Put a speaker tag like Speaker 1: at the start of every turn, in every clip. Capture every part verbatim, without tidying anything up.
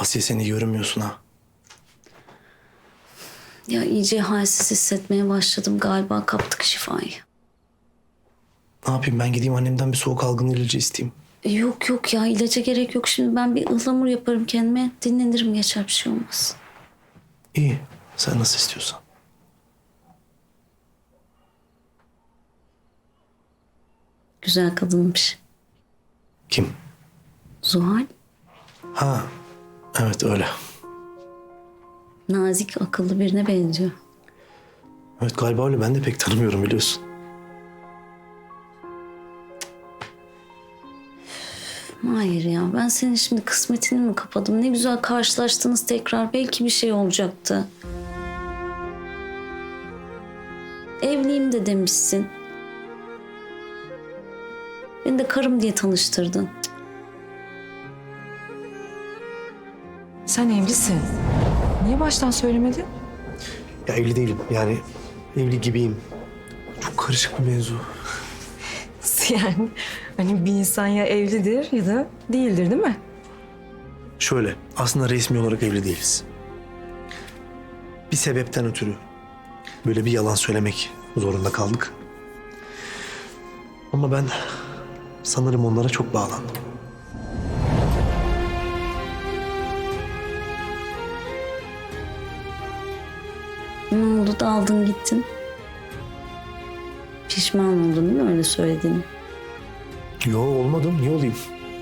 Speaker 1: Asiye sen iyi görünmüyorsun ha.
Speaker 2: Ya iyice halsiz hissetmeye başladım. Galiba kaptık şifayı.
Speaker 1: Ne yapayım ben gideyim annemden bir soğuk algınlığı ilacı isteyeyim.
Speaker 2: E, Yok yok ya ilaca gerek yok. Şimdi ben bir ıhlamur yaparım kendime. Dinlenirim geçer bir şey olmaz.
Speaker 1: İyi sen nasıl istiyorsan.
Speaker 2: Güzel kadınmış.
Speaker 1: Kim?
Speaker 2: Zuhal.
Speaker 1: Ha evet öyle.
Speaker 2: Nazik, akıllı birine benziyor.
Speaker 1: Evet galiba öyle ben de pek tanımıyorum biliyorsun.
Speaker 2: Hayır ya ben senin şimdi kısmetini mi kapadım? Ne güzel karşılaştınız tekrar. Belki bir şey olacaktı. Evliyim de demişsin. Beni de karım diye tanıştırdın.
Speaker 3: Sen evlisin. Niye baştan söylemedin?
Speaker 1: Ya evli değilim yani evli gibiyim. Çok karışık bir mevzu.
Speaker 3: Yani hani bir insan ya evlidir ya da değildir değil mi?
Speaker 1: Şöyle aslında resmi olarak evli değiliz. Bir sebepten ötürü böyle bir yalan söylemek zorunda kaldık. Ama ben sanırım onlara çok bağlandım.
Speaker 2: Ne oldu da aldın gittin? Pişman oldun değil mi öyle söylediğini?
Speaker 1: Yo olmadım niye olayım?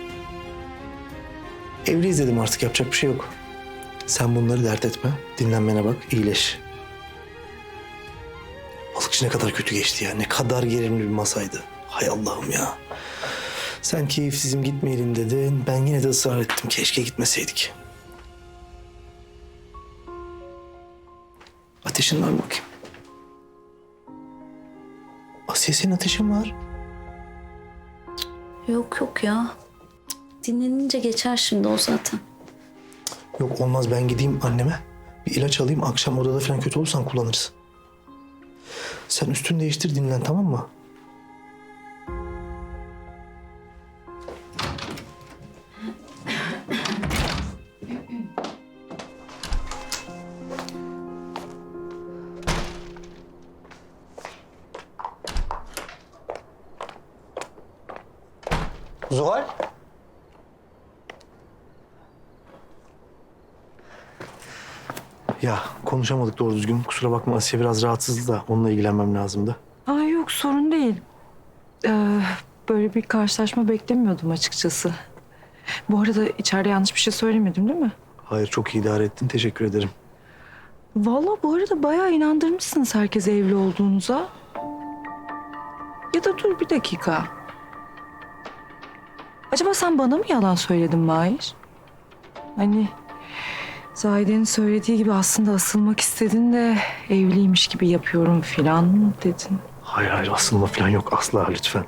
Speaker 1: Evliyiz dedim artık yapacak bir şey yok. Sen bunları dert etme. Dinlenmene bak iyileş. Balıkçı ne kadar kötü geçti ya. Ne kadar gerilimli bir masaydı. Hay Allah'ım ya. Sen keyifsizim gitmeyelim dedin. Ben yine de ısrar ettim. Keşke gitmeseydik. Ateşin var mı bakayım? Asiye senin ateşin var.
Speaker 2: Yok yok ya. Dinlenince geçer şimdi o zaten.
Speaker 1: Yok olmaz ben gideyim anneme. Bir ilaç alayım. Akşam odada falan kötü olursan kullanırız. Sen üstünü değiştir dinlen tamam mı? Zuhal. Ya konuşamadık doğru düzgün. Kusura bakma Asiye biraz rahatsızdı da onunla ilgilenmem lazımdı.
Speaker 3: Aa yok sorun değil. Ee, böyle bir karşılaşma beklemiyordum açıkçası. Bu arada içeride yanlış bir şey söylemedim değil mi?
Speaker 1: Hayır çok iyi idare ettin teşekkür ederim.
Speaker 3: Vallahi bu arada bayağı inandırmışsınız herkese evli olduğunuza. Ya da dur bir dakika. Acaba sen bana mı yalan söyledin Mahir? Hani Zahide'nin söylediği gibi aslında asılmak istedin de evliymiş gibi yapıyorum filan mı dedin?
Speaker 1: Hayır hayır asılma falan yok asla lütfen.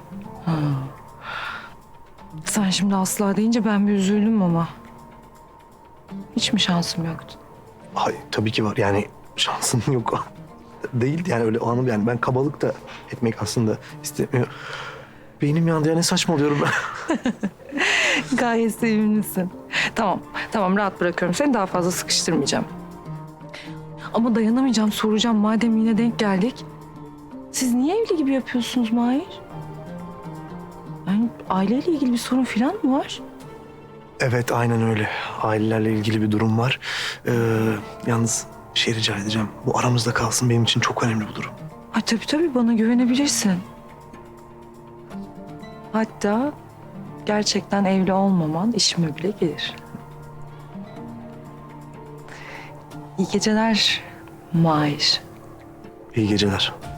Speaker 3: Sen şimdi asla deyince ben bir üzüldüm ama. Hiç mi şansım yoktu?
Speaker 1: Hayır tabii ki var yani şansın yok. Değildi yani öyle o anım yani ben kabalık da etmek aslında istemiyor. Beynim yandı ya ne saçmalıyorum ben.
Speaker 3: Gayet sevimlisin. Tamam, tamam rahat bırakıyorum. Seni daha fazla sıkıştırmayacağım. Ama dayanamayacağım, soracağım. Madem yine denk geldik. Siz niye evli gibi yapıyorsunuz Mahir? Yani aileyle ilgili bir sorun falan mı var?
Speaker 1: Evet aynen öyle. Ailelerle ilgili bir durum var. Ee, yalnız bir şey rica edeceğim. Bu aramızda kalsın benim için çok önemli bu durum.
Speaker 3: Ha, tabii tabii bana güvenebilirsin. Hatta gerçekten evli olmaman işime bile gelir. İyi geceler Mahir.
Speaker 1: İyi geceler.